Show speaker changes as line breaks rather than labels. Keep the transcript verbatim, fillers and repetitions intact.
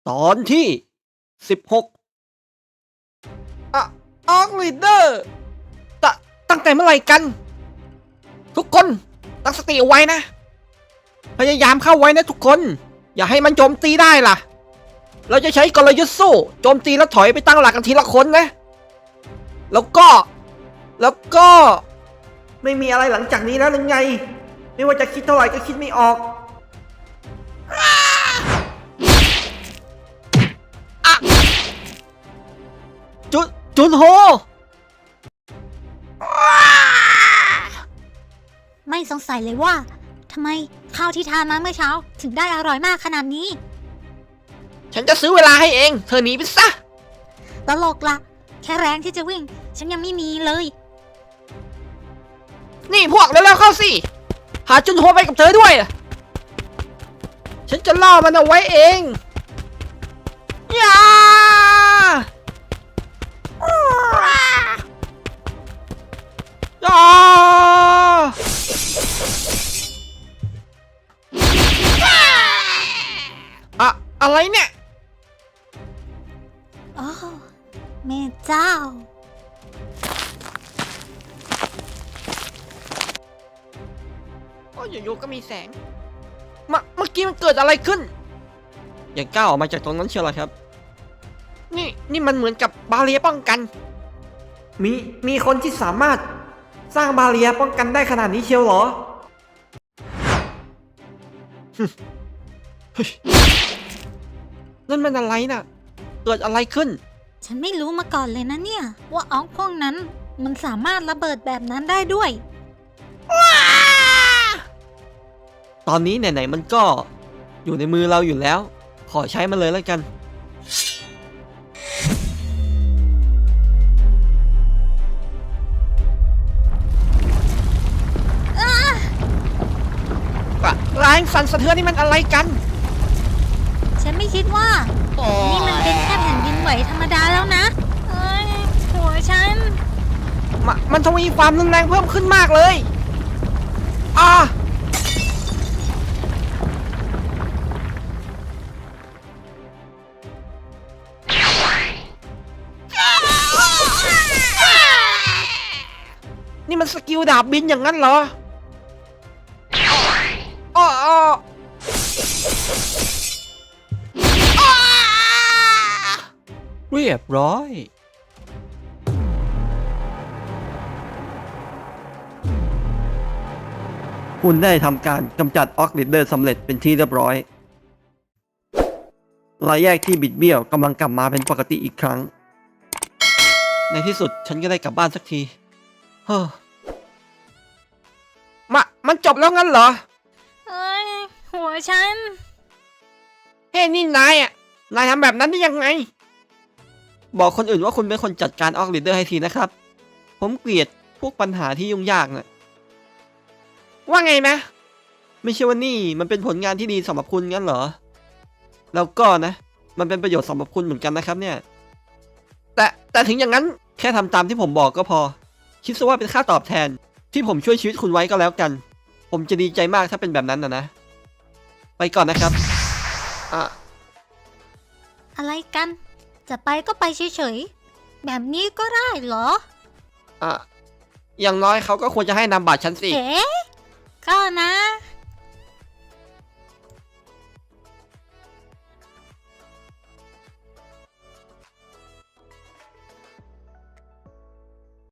ตอนที่สิบหกอะออกลีดเดอร์ตตั้งแต่เมื่อไหร่กัน ทุกคนตั้งสติเอาไว้นะ พยายามเข้าไว้นะทุกคน อย่าให้มันโจมตีได้ล่ะ เราจะใช้กลยุทธ์สู้โจมตีแล้วถอยไปตั้งหลักกันทีละคนนะ แล้วก็ แล้วก็ ไม่มีอะไรหลังจากนี้แล้วหรือไง ไม่ว่าจะคิดเท่าไหร่ก็คิดไม่ออกจุนจุนโฮ
ไม่สงสัยเลยว่าทำไมข้าวที่ทานมาเมื่อเช้าถึงได้อร่อยมากขนาดนี้
ฉันจะซื้อเวลาให้เอง เธอหนีไปซะ
ตลกละแค่แรงที่จะวิ่งฉันยังไม่มีเลย
นี่พวกเร็วๆเข้าสิ หาจุนโฮไปกับเธอด้วย ฉันจะล่อมันเอาไว้เองอย่าอย่าอะอะไรเนี่ย
โอ้แม่เจ้า
โอ้ยอยู่ๆก็มีแสงมเมื่อกี้มันเกิดอะไรขึ้นยังก้าวออกมาจากตรงนั้นเชียวเหรอครับ นี่นี่มันเหมือนกับบาเรียป้องกัน มีมีคนที่สามารถสร้างบาเรียป้องกันได้ขนาดนี้เชียวเหรอเฮ้ยนั่นมันอะไรน่ะ เกิดอะไรขึ้น
ฉันไม่รู้มาก่อนเลยนะเนี่ยว่าออกพวกนั้นมันสามารถระเบิดแบบนั้นได้ด้วย
ตอนนี้ไหนๆมันก็อยู่ในมือเราอยู่แล้ว ขอใช้มันเลยแล้วกันแรงสั่นสะเทือนนี่มันอะไรกัน
ฉันไม่คิดว่านี่มันเป็นแค่แผ่นดินไหวธรรมดาแล้วนะเอ้ยหัวฉัน
มมันทวีความรุนแรงเพิ่มขึ้นมากเลยอ่านี่มันสกิลดาบบินอย่างนั้นเหรออ้ออ้อเรียบร้อยคุณได้ทำการกำจัดออกลิดเดอร์สำเร็จเป็นที่เรียบร้อยรอยแยกที่บิดเบี้ยวกำลังกลับมาเป็นปกติอีกครั้ง ในที่สุดฉันก็ได้กลับบ้านสักทีเฮ้อมามันจบแล้วงั้นเหรอ
เอ้ยหัวฉัน
เฮ้ยนี่นายอ่ะ นายทำแบบนั้นได้ยังไง บอกคนอื่นว่าคุณเป็นคนจัดการออกลิดเดอร์ให้ทีนะครับ ผมเกลียดพวกปัญหาที่ยุ่งยากน่ะว่าไงนะ ไม่ใช่ว่านี่มันเป็นผลงานที่ดีสำหรับคุณงั้นเหรอ แล้วก็นะ มันเป็นประโยชน์สำหรับคุณเหมือนกันนะครับเนี่ย แต่แต่ถึงอย่างนั้นแค่ทำตามที่ผมบอกก็พอ คิดซะว่าเป็นค่าตอบแทนที่ผมช่วยชีวิตคุณไว้ก็แล้วกัน ผมจะดีใจมากถ้าเป็นแบบนั้นนะนะ ไปก่อนนะครับอ่ะ
อะไรกัน จะไปก็ไปเฉยๆแบบนี้ก็ได้เหรอ
อ่ะอย่างน้อยเขาก็ควรจะให้นามบัตรฉันสิ
เอ๋ก็นะ